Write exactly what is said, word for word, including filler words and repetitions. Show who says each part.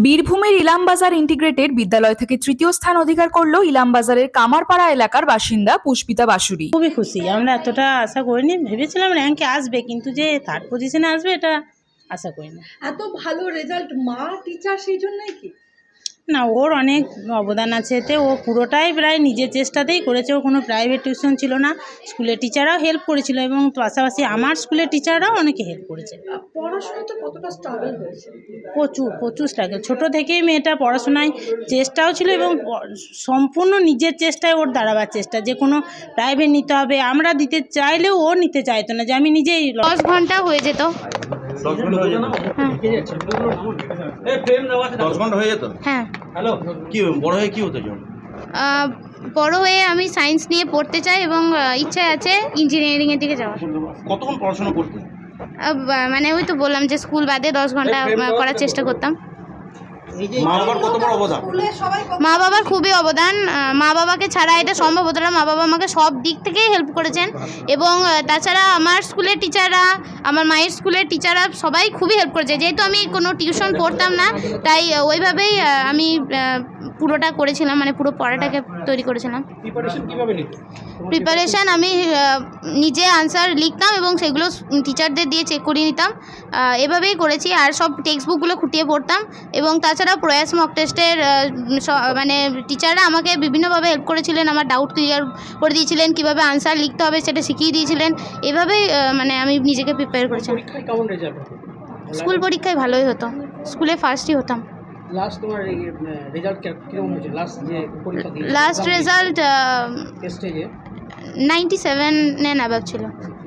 Speaker 1: বীরভূমের ইলামবাজার ইন্টিগ্রেটেড বিদ্যালয় থেকে তৃতীয় স্থান অধিকার করল ইলামবাজারের কামারপাড়া এলাকার বাসিন্দা পুষ্পিতা বাসুরি।
Speaker 2: খুবই খুশি। আমরা এতটা আশা করিনি, ভেবেছিলাম র্যাঙ্কে আসবে, কিন্তু যে থার্ড পজিশনে আসবে এটা আশা করিনি।
Speaker 3: এত ভালো রেজাল্ট মা টিচার সেই জন্যই কি
Speaker 2: না, ওর অনেক অবদান আছে এতে। ও পুরোটাই প্রায় নিজের চেষ্টাতেই করেছে। ও কোনো প্রাইভেট টিউশন ছিল না, স্কুলের টিচাররাও হেল্প করেছিল এবং পাশাপাশি আমার স্কুলের টিচাররাও অনেকে হেল্প করেছে।
Speaker 3: পড়াশোনাতে কতটা স্ট্রাগল হয়েছে?
Speaker 2: প্রচুর প্রচুর স্ট্রাগল। ছোটো থেকেই মেয়েটা পড়াশোনায় চেষ্টাও ছিল এবং সম্পূর্ণ নিজের চেষ্টায় ওর দাঁড়াবার চেষ্টা, যে কোনো প্রাইভেট নিতে হবে আমরা দিতে চাইলেও ও নিতে চাইতো না, যে আমি নিজেই।
Speaker 4: দশ ঘন্টা হয়ে যেত।
Speaker 5: দশ ঘন্টা হয়ে যেত দশ ঘন্টা হয়ে যেত
Speaker 4: হ্যাঁ।
Speaker 5: কি বড় হয়ে কি হতে চাও?
Speaker 4: আহ, বড় হয়ে আমি সায়েন্স নিয়ে পড়তে চাই এবং আহ, ইচ্ছা আছে ইঞ্জিনিয়ারিংয়ের দিকে যাওয়ার।
Speaker 5: কতক্ষণ পড়াশোনা করতে?
Speaker 4: আহ, বা- মানে ওই তো বললাম যে স্কুল বাদে দশ ঘন্টা আহ, করার চেষ্টা করতাম।
Speaker 5: মা বাবার কত বড় অবদান?
Speaker 4: মা বাবার খুবই অবদান। আহ, মা বাবাকে ছাড়া এটা সম্ভব হতো না। মা বাবা আমাকে সব দিক থেকেই হেল্প করেছেন এবং আহ, তাছাড়া আমার স্কুলের টিচাররা, আমার মায়ের স্কুলের টিচাররা সবাই খুবই হেল্প করেছে। যেহেতু আমি কোনো টিউশন পড়তাম না, তাই আহ, ওইভাবেই আহ, আমি আহ, পুরোটা করেছিলাম, মানে পুরো পড়াটাকে তৈরি করেছিলাম। প্রিপারেশান আমি আহ, নিজে আনসার লিখতাম এবং সেগুলো টিচারদের দিয়ে চেক করিয়ে নিতাম। আহ, এভাবেই করেছি। আর সব টেক্সট বুকগুলো খুঁটিয়ে পড়তাম এবং তাছাড়া প্রয়াস মক টেস্টের মানে টিচাররা আমাকে বিভিন্নভাবে হেল্প করেছিলেন, আমার ডাউট ক্লিয়ার করে দিয়েছিলেন, কীভাবে আনসার লিখতে হবে সেটা শিখিয়ে দিয়েছিলেন। এভাবেই আহ, মানে আমি নিজেকে প্রিপেয়ার করেছিলাম। স্কুল পরীক্ষায় ভালোই হতো, স্কুলে ফার্স্টই হতাম।
Speaker 6: লাস্ট তোমার রেজাল্ট কিরকম হয়েছে? লাস্ট যে পরীক্ষা দিয়ে
Speaker 4: লাস্ট রেজাল্ট
Speaker 6: স্টেজে
Speaker 4: নাইনটি সেভেন অ্যাবাভ ছিল।